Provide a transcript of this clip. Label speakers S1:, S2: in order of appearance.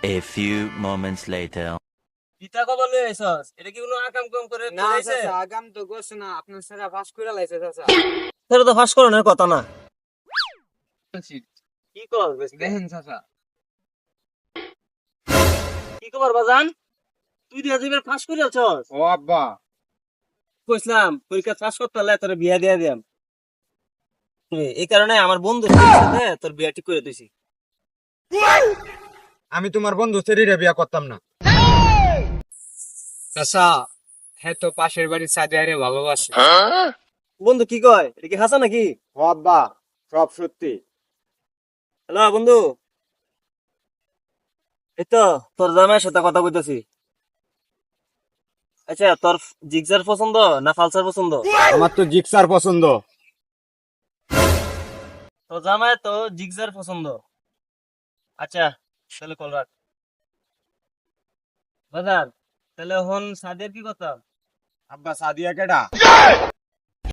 S1: A few moments later.
S2: পিতা কবে লই আইছস? এটা কি কোনো আকাম কাম করে
S3: না
S2: কইছে?
S3: চাচা আগাম তো গোছ না আপনার সারা পাস করে লাইছে চাচা।
S2: তোরা তো ফাঁস করানোর কথা না। কি কর
S3: দেখেন চাচা
S2: কি খবর বাজান? তুই দিয়া দিবের ফাঁস করে আছস?
S3: ও আব্বা
S2: কইছিলাম পরীক্ষা পাস করতে হলে তোর বিয়া দিয়া দিয়াম। এই কারণে আমার বন্ধুর সাথে তোর বিয়া ঠিক করে দিছি।
S3: আমি তোমার বন্ধু সেরিরে বিয়া করতাম না চাচা। হ্যাঁ তো পাশের বাড়ির সাদিয়ারে ভালোবাসে।
S2: বন্ধু কি কয়? এটা কি হাসা নাকি?
S3: ও আব্বা সব সত্যি।
S2: হ্যালো বন্ধু, এই তো তোর জামাইয়ের সাথে কথা কইতাছি। আচ্ছা তোর জিক্সার পছন্দ না ফালসার পছন্দ?
S3: আমার তো জিক্সার পছন্দ।
S2: তোর জামাই তো জিক্সার পছন্দ। আচ্ছা তাহলে কল রাখ বাজার। তাহলে এখন সাদিয়ার কি কথা?
S3: আব্বা সাদিয়া কেডা?